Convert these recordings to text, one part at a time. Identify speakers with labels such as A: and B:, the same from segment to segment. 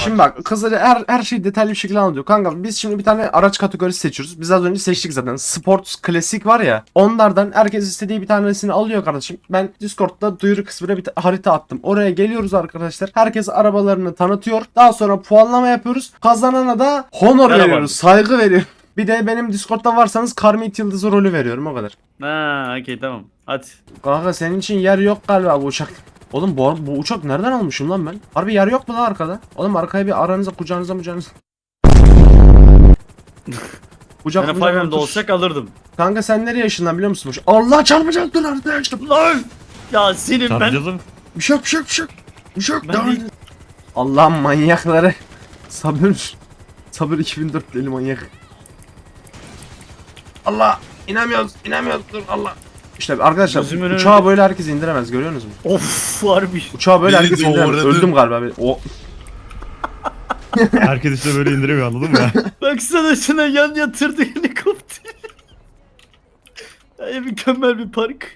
A: Şimdi bak kızları her şeyi detaylı bir şekilde anlatıyor. Kanka biz şimdi bir tane araç kategorisi seçiyoruz. Biz az önce seçtik zaten. Sport, klasik var ya. Onlardan herkes istediği bir tanesini alıyor kardeşim. Ben Discord'da duyuru kısmına bir harita attım. Oraya geliyoruz arkadaşlar. Herkes arabalarını tanıtıyor. Daha sonra puanlama yapıyoruz. Kazanana da honor veriyoruz. Saygı veriyoruz. Bir de benim Discord'da varsanız Karmit Yıldızı rolü veriyorum o kadar.
B: Ha, okey tamam. Hadi.
A: Kanka senin için yer yok galiba bu uçak. Oğlum bu uçak nereden almışım lan ben? Harbi yer yok mu lan arkada? Oğlum arkaya bir aranıza kucağınıza. Kucak
B: Ben Five'mde olsak alırdım.
A: Kanka sen nereye yaşından biliyor musun? Allah çarpacak dur arkadaşlar.
B: Lan! Ya senin ben...
C: Çarpacağız mı?
A: Bir şey yok. Bir şey yok.
B: Ben değil.
A: Allah'ım manyakları. Sabır. Sabır 2004 deli manyak. Allah inemiyoruz dur Allah. İşte arkadaşlar
B: Gözümün
A: uçağı böyle herkes indiremez görüyorsunuz mu?
B: Of harbi.
A: Uçağı böyle
D: Beni
A: herkes
D: de
A: indiremez.
D: uğradı.
A: Öldüm galiba. O
C: Herkes işte böyle indiremiyor anladın mı?
B: Baksana şuna yan yatırdı helikopter. Ya mükemmel bir park.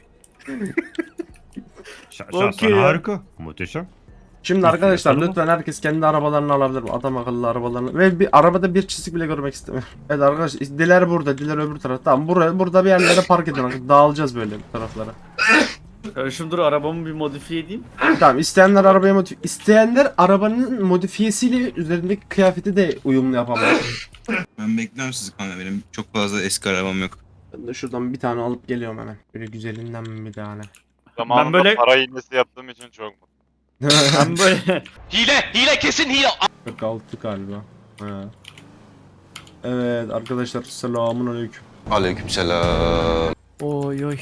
B: Okey ya.
C: Harika. Muhteşem.
A: Şimdi arkadaşlar
C: Yapalım mı?
A: lütfen herkes kendi arabalarını alabilir. Adam akıllı arabalarını. Ve bir arabada bir çizik bile görmek istemiyorum. Evet arkadaşlar diler burada, diler öbür tarafta. Tamam burada bir yerlere park edin. Dağılacağız böyle bu taraflara.
B: Kardeşim dur arabamı bir modifiye edeyim.
A: Tamam isteyenler arabanın modifiyesiyle üzerindeki kıyafeti de uyumlu yapabilir.
D: Ben bekliyorum sizi kanka, benim çok fazla eski arabam yok.
A: Ben de şuradan bir tane alıp geliyorum hemen. Böyle güzelinden bir tane.
E: Zamanında
B: Ben böyle-
E: para hilesi yaptığım için çok mutluyum.
B: Ben böyle...
F: Hile kesin hile.
A: 46 galiba. Ha. Evet arkadaşlar selamun aleyküm.
D: Aleykümselam.
B: Oy oy.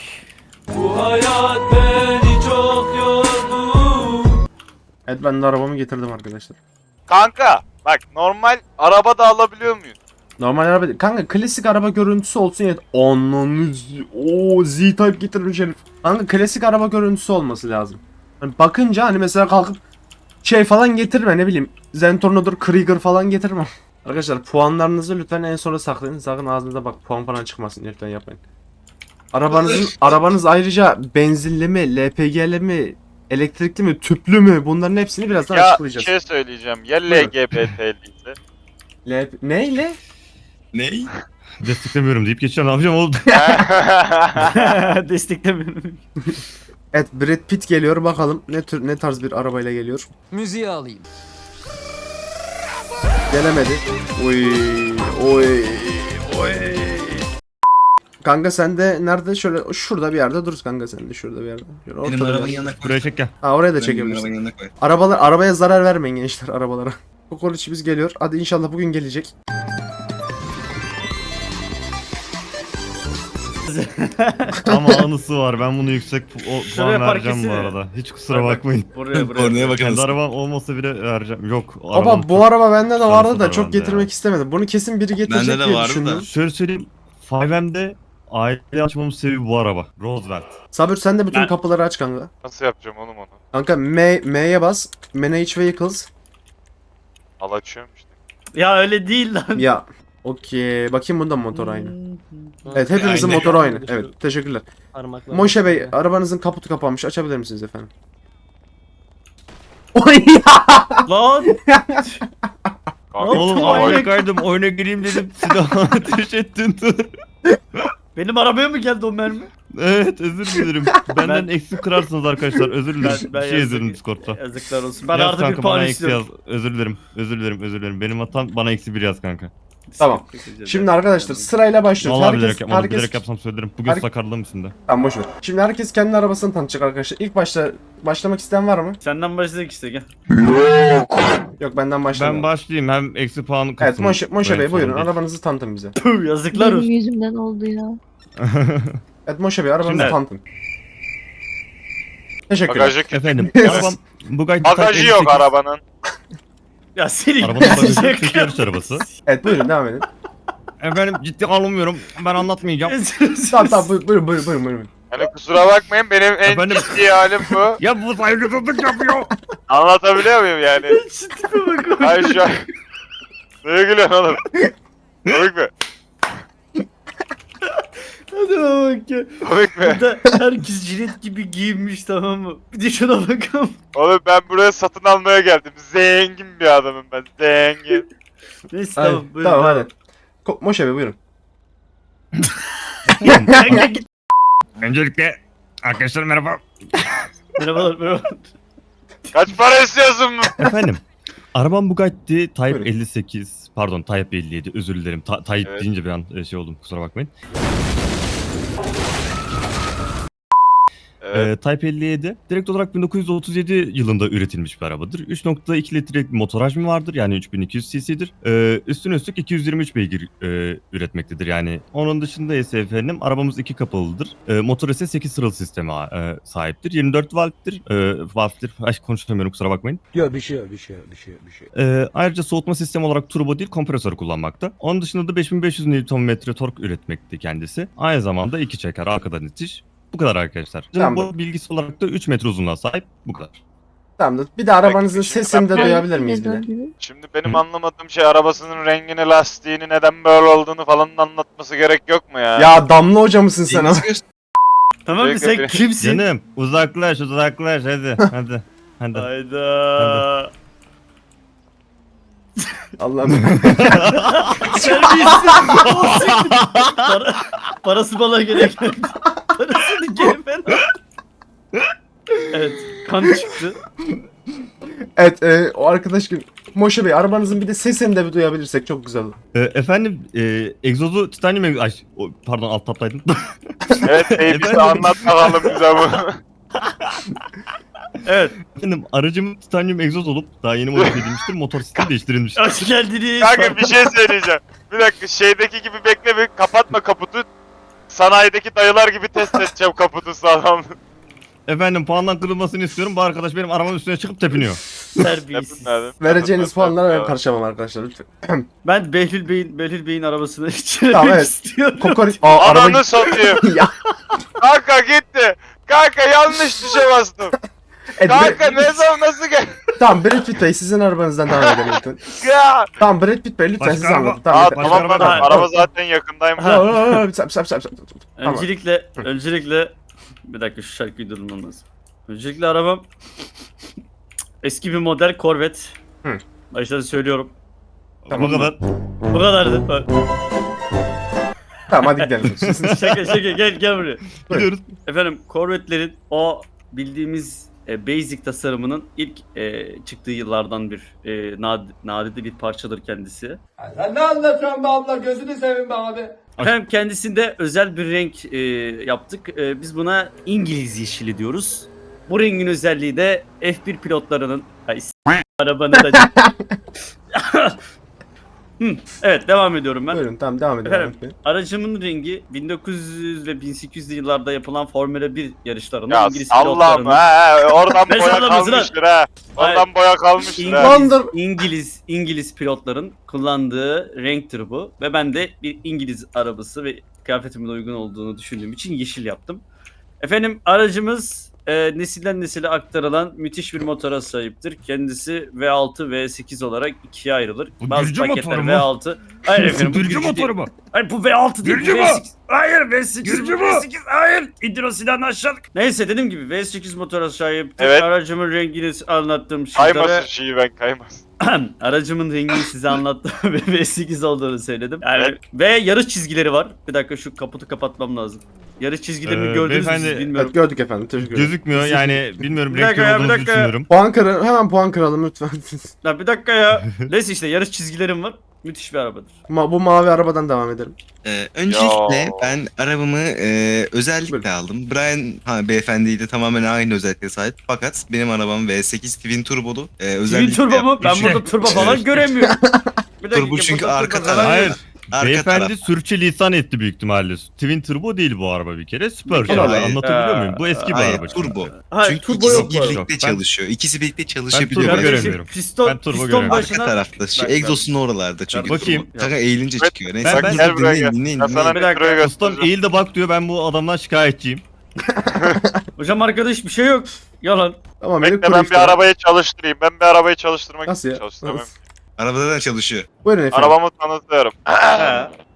A: Evet ben de arabamı getirdim arkadaşlar.
E: Kanka bak normal araba da alabiliyor muyuz?
A: Normal araba değil. Kanka klasik araba görüntüsü olsun ya. Ananız. Oo Z-Type getirmiş herif. Kanka klasik araba görüntüsü olması lazım. Hani bakınca hani mesela kalkıp şey falan getirme ne bileyim. Zentorno'dur, Krieger falan getirme. Arkadaşlar puanlarınızı lütfen en sona saklayın. Sakın ağzınıza bak puan falan çıkmasın lütfen yapmayın. Arabanız ayrıca benzinli mi, LPG'li mi, elektrikli mi, tüplü mü? Bunların hepsini birazdan
E: Ya bir
A: açıklayacağız.
E: şey söyleyeceğim. Ya
A: Buyurun.
E: LGBT'liyse?
A: Neyle?
D: Ney?
C: Desteklemiyorum deyip geçeceğim. Ne yapacağım oğlum?
B: Desteklemiyorum.
A: Evet Brad Pitt geliyor bakalım ne tarz bir arabayla geliyor.
F: Müziği alayım.
A: Gelemedi. Oy. Kanka sen de nerede şöyle şurada bir yerde dur kanka sen de şurada bir yerde. Şöyle
D: Benim
A: ortada bir
D: arabanın
A: yerde.
D: yanına koy.
C: Buraya çek gel.
A: Ha oraya da
D: Benim
A: çekebilirsin.
D: arabanın yanına koy.
A: Arabaya zarar vermeyin gençler arabalara. Kokoreçimiz geliyor. Hadi inşallah bugün gelecek.
C: Ama anısı var. Ben bunu yüksek
B: Şuraya
C: puan
B: park
C: vereceğim bu
B: etsene.
C: arada. Hiç kusura bakmayın.
B: Buraya
D: Kornaya
C: Kendi
D: bakalım.
C: arabam olmasa bile vereceğim. Yok.
A: Baba bu araba bende de vardı da
C: şanslıdır
A: çok
C: bende
A: getirmek
C: ya.
A: istemedim. Bunu kesin biri getirecek
D: Bende de
A: diye
D: vardı
A: düşündüm.
D: da.
C: Şöyle söyleyeyim. 5M'de aile açmamın sebebi bu araba. Roosevelt.
A: Sabır sen de bütün
B: Ben-
A: kapıları aç kanka.
E: Nasıl yapacağım oğlum onu?
A: Kanka M'ye bas. Manage Vehicles.
E: Al açıyorum işte.
B: Ya öyle değil lan.
A: Ya. Okey. Bakayım bunda motor aynı. Evet hepimizin
D: Aynı.
A: motoru aynı. Evet teşekkürler.
F: Parmakla.
A: Moşe Bey arabanızın kaputu kapanmış. Açabilir misiniz efendim? Oy
B: Lan.
C: Oğlum
B: Manyak.
C: harikaydım. Oyuna gireyim dedim. Silahı ateş ettin dur.
B: Benim arabaya mı geldi o mermi?
C: Evet özür dilerim. Benden eksi kırarsınız arkadaşlar. Özür dilerim.
B: Ben
C: Bir şey
B: yazık-
C: yazarım Discord'da.
B: Yazıklar olsun. Ben
C: Yaz
B: artı bir
C: kanka,
B: puan
C: bana eksi
B: istiyorum.
C: yaz. Özür dilerim. Özür dilerim. Benim hatam, bana eksi 1 yaz kanka.
A: Tamam. Şimdi arkadaşlar sırayla başlıyoruz.
C: Vallahi bilerek yapmadım.
A: herkes
C: Bilerek yapsam söylerim. Bugün
A: Herkes-
C: sakarlığım üstünde.
A: Tamam boş ver. Şimdi herkes kendi arabasını tanıtacak arkadaşlar. İlk başlamak isteyen var mı?
B: Senden başladık işte gel.
A: Yok benden başlamayalım.
C: Ben başlayayım. Hem eksi puan kısmı.
A: Evet Moşe Bey buyurun
C: Sorun değil.
A: arabanızı tanıtın bize.
B: Tüh, yazıklar
G: Benim
B: olsun.
G: yüzümden oldu ya.
A: Evet Moşe Bey arabanızı
C: Şimdi-
A: tanıtın. Teşekkürler.
E: Bagajı kötü.
C: Efendim. Arabam Bugatti
E: Bagajı yok
C: 58.
E: arabanın.
B: Ya seni
C: Arabanın bagajı Türk yarış arabası.
A: Evet buyurun devam edin.
C: Efendim ciddi alınmıyorum. Ben anlatmayacağım.
A: Tamam buyurun.
E: Yani kusura bakmayın benim en
C: Efendim?
E: ciddi halim bu.
C: Ya bu saygısızlık yapıyor.
E: Anlatabiliyor muyum yani?
B: Şu tipe bak.
E: Hayır şu an. Neye gülüyorsun oğlum? Komik mi?
B: Hadi bak ya.
E: Komik mi?
B: Burada herkes jilet gibi giyinmiş, tamam mı? Bir de şuna bakalım.
E: Oğlum ben buraya satın almaya geldim. Zengin bir adamım ben. Zengin.
B: Neyse
A: Hadi,
B: tamam buyurun.
A: tamam hadi. Moşe Bey buyurun.
B: Kanka git.
C: Öncelikle arkadaşlar merhaba.
B: Merhabalar merhabalar.
E: Kaç para istiyorsun bu?
C: Efendim. Arabam Bugatti Type
A: Buyurun.
C: 58. Pardon Type 57 özür dilerim. Type
E: Evet.
C: deyince bir an şey oldum kusura bakmayın.
E: Evet.
C: Type 57 direkt olarak 1937 yılında üretilmiş bir arabadır. 3.2 litrelik bir motor hacmi vardır yani 3200 cc'dir. Üstüne üstlük 223 beygir üretmektedir yani. Onun dışında ise efendim arabamız iki kapılıdır. Motor ise 8 sıralı sisteme sahiptir. 24 valvtir. Valvtir. Ay konuşamıyorum kusura bakmayın.
F: Yok bir şey yok.
C: Ayrıca soğutma sistemi olarak turbo değil kompresör kullanmakta. Onun dışında da 5500 Nm tork üretmekte kendisi. Aynı zamanda iki çeker arkadan itiş. Bu kadar arkadaşlar.
A: Tamam.
C: Bu bilgisi olarak da 3 metre uzunluğa sahip. Bu kadar.
A: Tamam bir de arabanızın
E: Peki, şimdi
A: sesini de
E: ben-
A: duyabilir miyiz bir de?
E: Şimdi benim anlamadığım şey arabasının rengini, lastiğini, neden böyle olduğunu falan anlatması gerek yok mu ya?
A: Ya Damla Hoca mısın sen?
D: Deniz göster.
B: Tamam mı sen
E: Peki.
B: kimsin?
C: Canım uzaklaş hadi hadi. Hadi.
B: Hayda.
A: Allah'ım.
B: Terbiyesiz. Parası bana gerek geldi. Parasını geri ver. Evet, kan çıktı.
A: Evet o arkadaş gibi. Moşe Bey arabanızın bir de sesini de bir duyabilirsek çok güzel olur.
C: Efendim egzozu titanyum pardon alt taptaydım.
E: Evet bize
C: Efendim?
E: anlat bakalım bize bu.
B: Evet,
C: Efendim aracım titanyum egzoz olup daha yeni modifiye edilmiştir. Motor sistemi değiştirilmiştir.
B: hoş geldiniz.
E: Kanka bir şey söyleyeceğim. Bir dakika şeydeki gibi bekle bir kapatma kaputu. Sanayideki dayılar gibi test edeceğim kaputu sağlam.
C: Efendim puandan kırılmasını istiyorum. Bu arkadaş benim arabamın üstüne çıkıp tepiniyor.
B: Terbiyesiz.
A: Vereceğiniz puanlara ben karışamam arkadaşlar lütfen.
B: Ben Behlül Bey'in arabasını içirmek
A: Tamam, evet.
B: istiyorum.
A: Kokoreç...
E: Ananı satayım.
A: ya.
E: Kanka gitti. Kanka yanlış tuşa bastım.
A: Evet,
E: Kanka ne zaman nasıl gel?
A: Tamam Brad Pitt Bey sizin arabanızdan devam edelim lütfen.
E: Ya.
A: Tamam Brad Pitt Bey lütfen
C: Başka
A: siz
C: araba-
A: anlatın.
E: Aa,
A: Tamam yeter.
C: Başka
E: tamam
C: araba
E: bana
C: da-
E: araba zaten yakındayım.
A: Tamam. Sap. Tamam.
B: Öncelikle bir dakika şu şarkıyı durdurmam lazım. Öncelikle arabam eski bir model Corvette.
A: Hı.
B: Baştan söylüyorum.
C: Bu kadar.
B: Bu kadardı.
A: Tamam hadi gidelim.
B: Şaka gel buraya.
C: Gidiyoruz.
B: Efendim Corvette'lerin o bildiğimiz basic tasarımının ilk çıktığı yıllardan bir nadide bir parçadır kendisi.
F: Sen ne anlatıyorsun be abla? Gözünü seveyim be abi.
B: Efendim kendisinde özel bir renk yaptık. Biz buna İngiliz yeşili diyoruz. Bu rengin özelliği de F1 pilotlarının arabanın da... Evet devam ediyorum ben.
A: Buyurun tamam devam edelim.
B: Efendim, aracımın rengi 1900 ve 1800'lü yıllarda yapılan Formula 1 yarışlarında
E: Ya
B: İngiliz
E: sallam
B: pilotlarının
E: he oradan
B: Ne
E: boya
B: sallaması lan?
E: kalmıştır ha. Oradan boya kalmıştır ha.
B: İngiliz pilotların kullandığı renktir bu ve ben de bir İngiliz arabası ve kıyafetimin uygun olduğunu düşündüğüm için yeşil yaptım. Efendim aracımız nesilden nesile aktarılan müthiş bir motora sahiptir. Kendisi V6 V8 olarak ikiye ayrılır.
C: Bu
B: Bazı
C: Gürcü
B: paketler
C: motoru mu?
B: V6. Hayır efendim bu
C: Gürcü
B: Gürcü
C: motoru
B: değil.
C: mu?
B: Hayır bu V6 değil.
C: Gürcü
B: bu
C: mü?
B: V8. Hayır V8.
C: Gürcü
B: bu
C: mü?
B: V8. Hayır. İndir o silahını aşağılık. Neyse dediğim gibi V8 motora sahiptir.
E: Evet.
B: Aracımın rengini anlattığım şeylere...
E: Kaymasın şeyi ben kaymasın.
B: Aracımın rengini size anlattım ve V8 olduğunu söyledim. Yani
E: Evet.
B: ve yarış çizgileri var. Bir dakika şu kaputu kapatmam lazım. Yarış çizgilerini gördünüz mü siz
C: beyefendi-
B: bilmiyorum.
A: Evet gördük efendim teşekkür ederim.
C: Gözükmüyor yani bilmiyorum
B: Bir dakika
C: renk
B: ya, bir
C: olduğunuzu
B: dakika ya.
C: düşünüyorum.
A: Hemen puan kıralım lütfen.
B: Ya bir dakika ya. Neyse işte yarış çizgilerim var. Müthiş bir arabadır.
A: Bu mavi arabadan devam edelim.
D: Öncelikle
E: Ya.
D: ben arabamı özellikle
A: Buyurun.
D: aldım. Brian beyefendiyle tamamen aynı özelliklere sahip. Fakat benim arabam V8 Twin Turbolu.
B: Twin
D: Özellikle
B: turbo mu? Ben
C: Üçe-
B: burada turbo falan göremiyorum. Bir dakika,
D: Turbo çünkü
B: burada
D: arka
B: turbo
D: taraf.
B: falan
C: Hayır.
B: yok.
D: arka
C: Beyefendi
D: taraf.
C: sürçülisan etti büyük ihtimalle. Twin Turbo değil bu araba bir kere. Supercharger.
A: Hayır.
C: Anlatabiliyor muyum? Bu eski bir
D: Hayır,
C: araba. çünkü.
D: turbo.
B: Hayır
D: Çünkü
B: turbo
D: ikisi
B: yok bu arada.
D: birlikte
C: Ben-
D: çalışıyor. İkisi birlikte
C: turbo
D: çalışabiliyor.
C: göremiyorum.
B: Kardeşim,
C: göremiyorum.
B: Piston,
C: Ben turbo
B: piston
C: göremiyorum.
B: başına...
D: Arka tarafta. Şu
B: Bak,
D: egzosun oralarda çünkü.
C: Bakayım.
D: Kanka eğilince
E: Evet.
D: çıkıyor. Neyse.
C: Ben-
D: Kızı
E: Gel buraya
D: dinleyin,
E: gel.
D: dinleyin,
E: Ben sana
D: dinleyin.
B: Bir
E: bir
B: dakika,
E: şuraya
C: Ustam
E: göstereceğim.
C: eğil de bak diyor ben bu adamdan şikayetçiyim.
B: Hocam arkadaş bir şey yok. Yalan.
A: Tamam
E: Bekle ben bir arabayı çalıştırayım. Ben bir arabayı çalıştırmak
A: Nasıl ya?
E: için çalıştıramam.
D: Arabada da çalışıyor.
A: Buyurun efendim.
E: Arabamı tanıtıyorum.
B: He.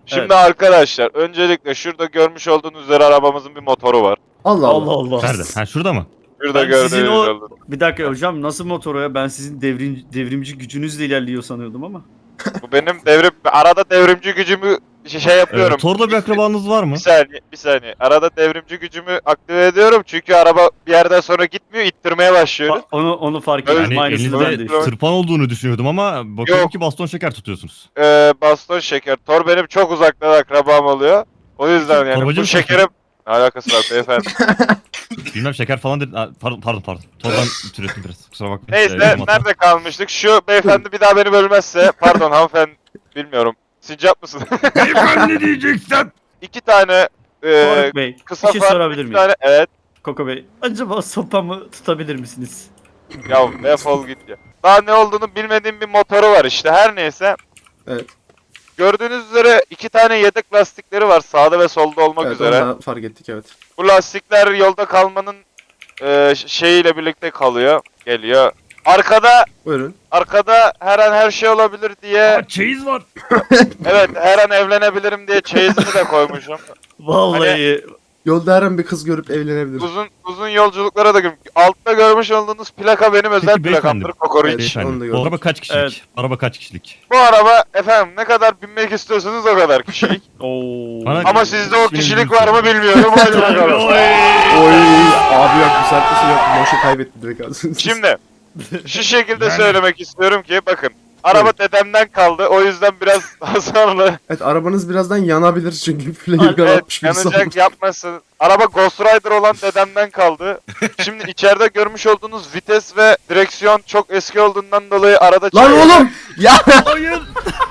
E: Şimdi
B: Evet.
E: arkadaşlar öncelikle şurada görmüş olduğunuz üzere arabamızın bir motoru var.
A: Allah
B: Allah
A: Allah.
B: Allah.
C: Nerede? Ha şurada mı?
E: Şurada
B: Ben
E: gördüğünüz
B: sizin o-
E: üzere.
B: Bir dakika hocam, nasıl motoru ya? Ben sizin devrimci gücünüzle ilerliyor sanıyordum ama.
E: Bu benim arada devrimci gücümü yapıyorum.
C: Torda bir akrabanız var mı?
E: Bir saniye. Arada devrimci gücümü aktive ediyorum çünkü araba bir yerden sonra gitmiyor, ittirmeye başlıyoruz.
B: Onu fark
E: Öyle-
B: ettim.
C: Yani
B: Aynısını ben de.
C: elinizde tırpan olduğunu düşünüyordum ama bakıyorum
E: Yok.
C: ki baston şeker tutuyorsunuz.
E: Baston şeker. Tor benim çok uzaktan akrabam oluyor. O yüzden yani
C: Torbacı
E: bu
C: mısın?
E: şekerim... Ne alakası var beyefendi?
C: Bilmem şeker falan dedi. Aa, pardon. Tordan türettim biraz. Kusura bakmayın.
E: Neyse
C: Elim hata.
E: nerede kalmıştık? Şu beyefendi bir daha beni bölmezse... Pardon hanımefendi bilmiyorum. Sincap mısın?
C: Beyefendi diyeceksen.
E: 2 tane
B: Faruk Bey,
E: kısa
B: bir şey
E: far,
B: sorabilir
E: 2
B: miyim?
E: tane... Evet.
B: Koko Bey, acaba sopamı tutabilir misiniz?
E: Ya defol git ya. Daha ne olduğunu bilmediğim bir motoru var işte. Her neyse.
A: Evet.
E: Gördüğünüz üzere 2 tane yedek lastikleri var sağda ve solda olmak
A: Evet,
E: üzere.
A: onu da fark ettik evet.
E: Bu lastikler yolda kalmanın şeyiyle birlikte kalıyor, geliyor.
A: Buyurun.
E: Arkada her an her şey olabilir diye,
C: Aa, çeyiz var.
E: evet her an evlenebilirim diye çeyizini de koymuşum.
B: Vallahi
A: Yolda her an bir kız görüp evlenebilir.
E: Uzun yolculuklara da altta görmüş olduğunuz plaka benim özel
C: Peki beyefendi.
E: plakamdır Kokoriç.
A: Evet. Onu da
C: Beyefendi.
A: gördüm.
C: Bu araba kaç kişilik?
B: Evet.
C: Araba kaç kişilik?
E: Bu araba efendim ne kadar binmek istiyorsanız o kadar kişilik.
B: ooo.
C: Bana-
E: Ama sizde o
C: İsmini
E: kişilik
C: bilmiyorum.
E: var mı bilmiyorum. Hadi bakalım.
A: Oy abi yok bu saatte şey yok. Boşa kaybetti direkt aslında.
E: Şimdi şu şekilde söylemek istiyorum ki bakın. Araba dedemden kaldı. O yüzden biraz hasarlı.
A: Evet arabanız birazdan yanabilir çünkü flamer
B: Evet,
A: atmış
E: Evet,
A: birisi
E: yanacak
A: olmuş.
E: yapmasın. Araba Ghost Rider olan dedemden kaldı. Şimdi içeride görmüş olduğunuz vites ve direksiyon çok eski olduğundan dolayı arada
A: Lan oğlum! Ya!
C: Hayır.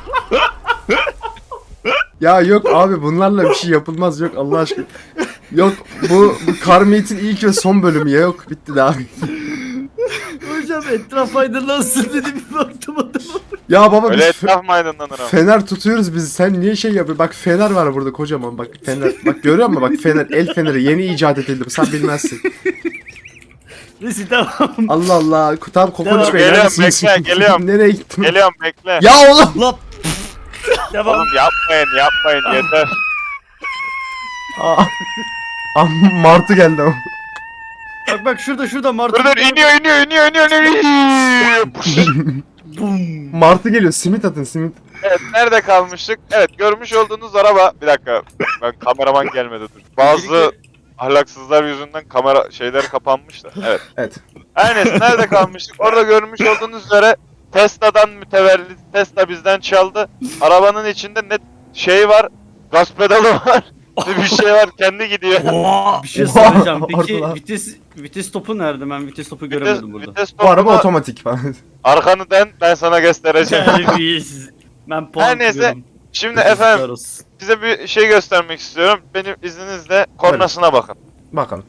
A: Ya yok abi bunlarla bir şey yapılmaz yok Allah aşkına. Yok bu Carmate'in ilk ve son bölümü ya yok bitti daha.
B: Hocam etraf aydınlansın dedi, bir baktım adama.
A: Ya baba
E: Öyle
A: biz
E: etraf mı aydınlanır ama?
A: fener tutuyoruz biz sen niye şey yapıyorsun? Bak fener var burada kocaman bak fener. Bak görüyor musun bak fener el feneri yeni icat edildi sen bilmezsin.
B: Neyse tamam.
A: Allah Allah tam kokoreç
B: Devam.
A: bey
E: Geliyorum,
A: neredesiniz?
E: bekle, geliyorum.
A: Nereye gittin?
E: Geliyorum bekle.
A: Ya oğlum!
C: Lan.
B: Devam.
E: Oğlum yapmayın yeter.
A: Aa, martı geldi ama.
B: Bak şurada Martı.
E: Dur iniyor.
B: Bum.
A: Martı geliyor simit atın simit.
E: Evet nerede kalmıştık? Evet görmüş olduğunuz araba. Bir dakika ben kameraman gelmedi dur. Bazı ahlaksızlar yüzünden kamera şeyler kapanmış da. Evet.
A: Evet.
E: Her neyse nerede kalmıştık? Orada görmüş olduğunuz üzere Tesla'dan mütevellit Tesla bizden çaldı. Arabanın içinde ne şey var? Gaz pedalı var. Bir şey var kendi gidiyor.
B: Bir şey
A: Oha,
B: soracağım. Peki
A: orada.
B: vites topu nerede? Ben vites topu göremedim burada.
E: Vites
A: Bu araba
E: topuna
A: otomatik falan.
E: arkanı dön ben sana göstereceğim.
B: Terbiyesiz. Ben puan
E: Her neyse,
B: kırıyorum.
E: Şimdi efendim
B: Yazıklar olsun.
E: size bir şey göstermek istiyorum. Benim izninizle kornasına bakın.
A: Bakalım.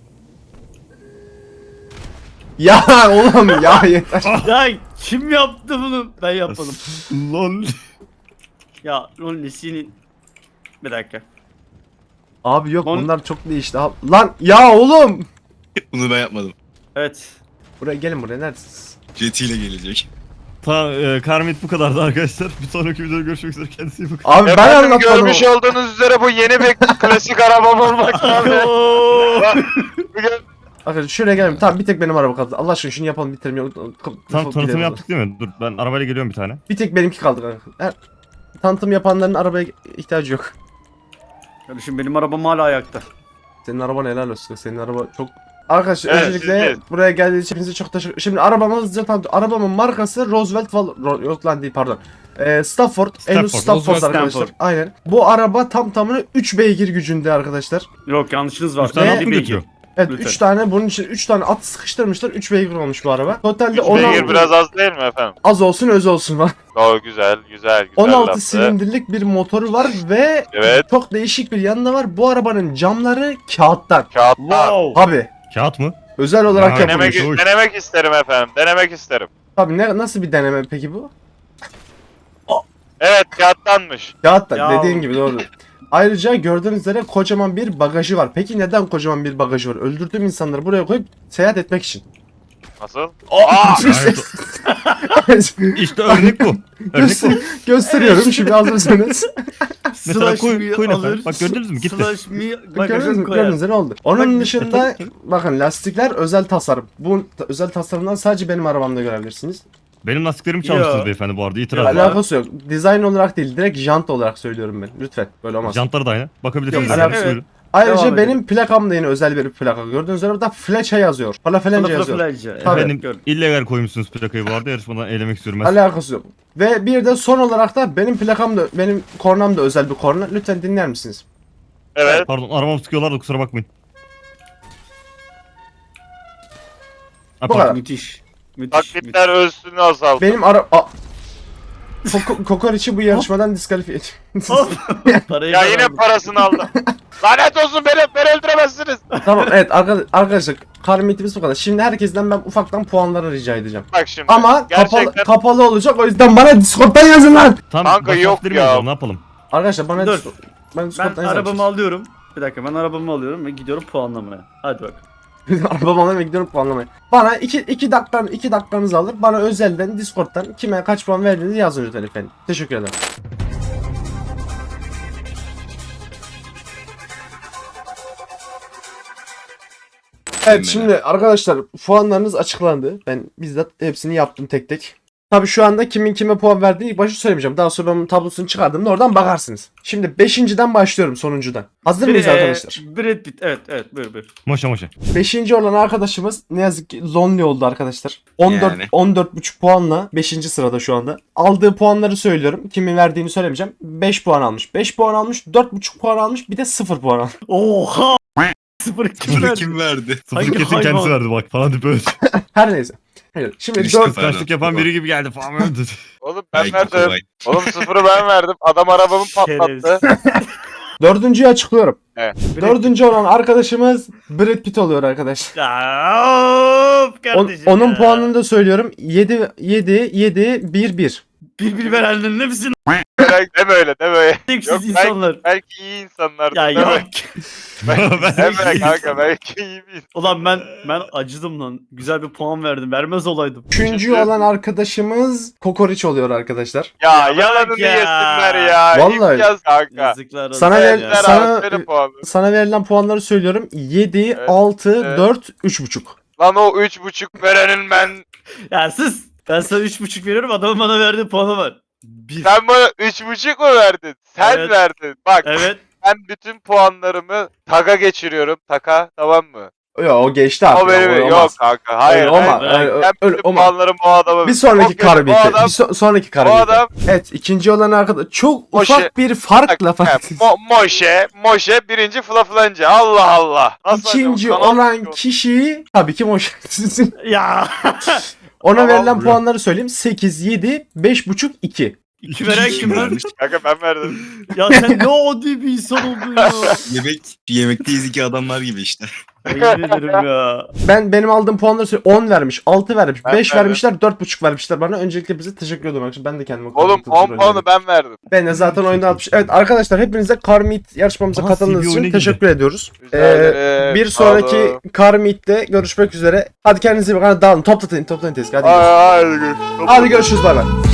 A: Ya oğlum ya yeter.
B: Ya kim yaptı bunu? Ben yapmadım.
C: Lan.
B: Ya Ronnie senin... Bir dakika.
A: Abi yok
B: Lan-
A: bunlar çok değişti. Lan ya oğlum.
D: Bunu ben yapmadım.
B: Evet.
A: Buraya gelin buraya neredesiniz?
D: Jet ile gelecek.
C: Karmit bu kadardı arkadaşlar. Bir sonraki videoda görüşmek üzere. Kendinize iyi bakın.
A: Abi ben
E: Efendim
A: anlatmadım.
E: görmüş olduğunuz üzere bu yeni bir klasik arabam olmaktan ve bugün
A: Arkadaşlar şuraya gelin. Tamam bir tek benim araba kaldı. Allah aşkına şunu yapalım bitirelim.
C: Tam tanıtımı yaptık değil mi? Dur ben arabayla geliyorum bir tane.
A: Bir tek benimki kaldı kanka. Tanıtım yapanların arabaya ihtiyacı yok.
B: Kardeşim benim arabam hala ayakta.
A: Senin araban helal olsun. Senin araba çok... Arkadaşlar
E: Evet,
A: öncelikle
E: siz
A: buraya geldiğiniz için hepinize çok teşekkür. Şimdi arabamı hızlıca tanıtım. Arabamın markası Roosevelt yok lan değil pardon. Stafford. Henüz Stafford
B: Roosevelt
A: arkadaşlar.
B: Stafford.
A: Aynen. Bu araba tam tamına 3 beygir gücünde arkadaşlar.
B: Yok yanlışınız var.
C: Üç tane
A: Ne?
C: at mı götürüyor?
A: Evet
B: Lütfen.
A: 3 tane bunun için 3 tane at sıkıştırmışlar. 3 beygir olmuş bu araba. Totalde 16
E: beygir biraz az değil mi efendim?
A: az olsun öz olsun var.
E: O güzel
A: 16
E: laftı.
A: silindirlik bir motoru var ve
E: Evet.
A: çok değişik bir yanı da var. Bu arabanın camları kağıttan.
E: Kağıtlar.
B: Wow.
A: Abi
C: Kağıt mı?
A: özel olarak
C: Ya,
A: yapılmış.
E: Denemek isterim efendim. Denemek isterim.
A: Tabii nasıl bir deneme peki bu?
E: Evet kağıttanmış.
A: Kağıttan
B: Ya.
A: dediğin gibi doğru. Ayrıca gördüğünüz üzere kocaman bir bagajı var. Peki neden kocaman bir bagajı var? Öldürdüğüm insanları buraya koyup seyahat etmek için.
E: Nasıl?
A: Aa!
C: İşte örnek bu. Örnek bu.
A: Gösteriyorum şimdi hazırsanız.
C: Mesela
B: Slash
C: koy-
B: me
C: koyun efendim.
B: alır,
C: Bak gördünüz mü? Gitti.
B: Slash me
A: Gördünüz
B: bagajın
A: mü?
B: koyar.
A: Gördünüz mü? Ne oldu? Onun
B: Bak,
A: dışında bakın lastikler özel tasarım. Bu özel tasarımdan sadece benim arabamda görebilirsiniz.
C: Benim lastiklerimi çalmışsınız
B: Yo.
C: beyefendi bu arada. İtiraz var.
A: Alakası yok. Dizayn olarak değil, direkt jant olarak söylüyorum ben. Lütfen böyle olmaz.
C: Jantları da aynı. Bakabilirsiniz.
A: Yok,
C: efendim,
B: evet.
C: buyurun.
A: Ayrıca
B: Devam
A: benim
B: edelim.
A: plakam da yine özel bir plaka. Gördüğünüz üzere burada Flecha yazıyor. Falafelence yazıyor. Tabii.
C: Efendim
B: gördüm.
C: illegal koymuşsunuz plakayı bu arada. Yarışmadan elemek istiyorum ben.
A: Alakası yok. Ve bir de son olarak da benim plakam da, benim kornam da özel bir korna. Lütfen dinler misiniz?
E: Evet.
C: Pardon arabamı sıkıyorlar da kusura bakmayın. Ha,
A: Bu
C: pardon.
A: kadar.
B: Müthiş. Müthiş.
E: Taklitler ölçüsünü azaldı.
A: Benim Kokoreç'i bu yarışmadan diskalifiye
B: Parayı
E: Ya
B: ben
E: yine
B: aldım.
E: parasını aldı. Lanet olsun beni öldüremezsiniz.
A: Tamam evet arkadaşlar karmitimiz bu kadar. Şimdi herkesten ben ufaktan puanları rica edeceğim.
E: Bak şimdi.
A: Ama
E: gerçekten
A: kapalı olacak, o yüzden bana Discord'dan yazın lan.
C: Tam
E: Kanka
C: baş
E: yok
C: harfleri mi
E: ya.
C: yazalım, ne yapalım?
A: Arkadaşlar bana
B: Dur.
A: Ben Discord'dan
B: Ben
A: yazarım.
B: arabamı alıyorum. Bir dakika ben arabamı alıyorum ve gidiyorum puanlamaya. Hadi bak.
A: Arabamı alıp gidiyorum puanlamaya. Bana 2 dakikanızı alır. Bana özelden Discord'dan kime kaç puan verdiğinizi yazın lütfen efendim. Teşekkür ederim. Evet şimdi arkadaşlar puanlarınız açıklandı. Ben bizzat hepsini yaptım tek tek. Tabi şu anda kimin kime puan verdiğini ilk başta söylemeyeceğim. Daha sonra ben tablosunu çıkardığımda oradan bakarsınız. Şimdi 5.'den başlıyorum, sonuncudan. Hazır mıyız arkadaşlar?
B: Brad Pitt. Evet buyur.
C: Moşa moşa.
A: 5. olan arkadaşımız ne yazık ki Zonli oldu arkadaşlar. 14
D: Yani.
A: 14,5 puanla 5. sırada şu anda. Aldığı puanları söylüyorum. Kimin verdiğini söylemeyeceğim. 5 puan almış. 5 puan almış. 4,5 puan almış. Bir de 0 puan almış.
B: Oha! Sıfır kim
D: Bunu
B: verdi?
D: kim verdi?
C: Sıfır
B: Hangi
C: kesin
B: hayvan?
C: kendisi verdi bak falan deyip öyle.
A: Her neyse. Evet, şimdi
D: Düştü
A: 4
D: falan.
C: Kıskançlık yapan biri gibi geldi falan öyle dedi.
E: Oğlum ben
D: Ay,
E: verdim.
D: kolay.
E: Oğlum sıfırı ben verdim. Adam arabamı patlattı.
A: Dördüncüyü açıklıyorum.
E: Evet.
A: Dördüncü olan arkadaşımız Brad Pitt oluyor arkadaşlar.
B: Ya, of kardeşim
A: Onun
B: ya.
A: puanını da söylüyorum. 7 1 1.
B: Bir verenlerin hepsini
E: Deme öyle deme öyle.
B: siz
E: Yok,
B: insanlar.
E: Belki iyi insanlar.
B: Ya
E: deme.
B: yok.
E: Deme kanka belki iyi bir.
B: Ulan ben acıdım lan. Güzel bir puan verdim. Vermez olaydım.
A: Üçüncü olan arkadaşımız Kokoreç oluyor arkadaşlar.
E: Ya yalanını
B: ya.
E: yesinler ya.
A: Vallahi.
E: İmtiyaz kanka.
B: Yazıklar olsun.
A: Sana ver-
B: ya.
E: Verdiler
A: sana-
E: abi, benim puanım.
A: Sana verilen puanları söylüyorum. 7
E: Evet,
A: 6
E: evet.
A: 4 3,5.
E: Lan o 3,5 verenin ben.
B: Ya sus. Ben sana 3,5 veriyorum. Adamın bana verdiği puanı var. 1.
E: Sen bana 3,5 mu verdin? Sen
B: Evet.
E: verdin. Bak
B: Evet.
E: ben bütün puanlarımı taka geçiriyorum. Taka tamam mı?
A: Yok o geçti artık.
E: O benim
A: o
E: yok
A: olmaz.
E: kanka. Hayır.
A: Öyle
E: hayır.
A: olmaz.
B: ben-
A: Öyle-
E: Ben
A: öyle
E: bütün
A: olmaz.
E: puanlarımı o adama
A: Bir sonraki
E: Çok kötü.
A: kar
E: O
A: bitti.
E: adam-
A: Sonraki kar
E: o
A: bitti.
E: adam
A: Evet, ikinci olan arkadaş çok
E: Moşe.
A: ufak bir farkla
E: Moşe birinci Flaflanca. Allah Allah. Nasıl
A: İkinci
E: acaba? Kanal
A: olan kişi tabii ki Moşe.
B: Ya.
A: Ona
E: Tamam,
A: verilen
C: buyurun.
A: puanları söyleyeyim. 8 7 5,5 2.
B: 2 veren kim lan?
E: Kanka ben verdim.
B: Ya sen ne adi bir insan oldun ya.
D: Yemekteyiz iki adamlar gibi işte.
B: Yemin ederim ya.
A: Benim aldığım puanları söyleyeyim. 10 vermiş, 6 vermiş,
E: Ben
A: 5
E: verdim.
A: vermişler, 4,5 vermişler bana. Öncelikle bize teşekkür ediyorum arkadaşlar. Ben de kendime
E: Oğlum 10 puanı ben verdim.
A: Ben de zaten oyunda atmış. Evet arkadaşlar hepinize Car Meet yarışmamıza
C: Aha,
A: katıldığınız
C: CB
A: için
C: oyuna
A: teşekkür ediyoruz.
E: Rica ederim.
A: Bir
E: Sağ olun.
A: sonraki Car Meet'te görüşmek üzere. Hadi kendinize iyi bakın. Hadi dağılın. Toplatın tezgahı. Hadi görüşürüz.
E: Hadi görüşürüz.
A: Hadi görüşürüz. Bay bay.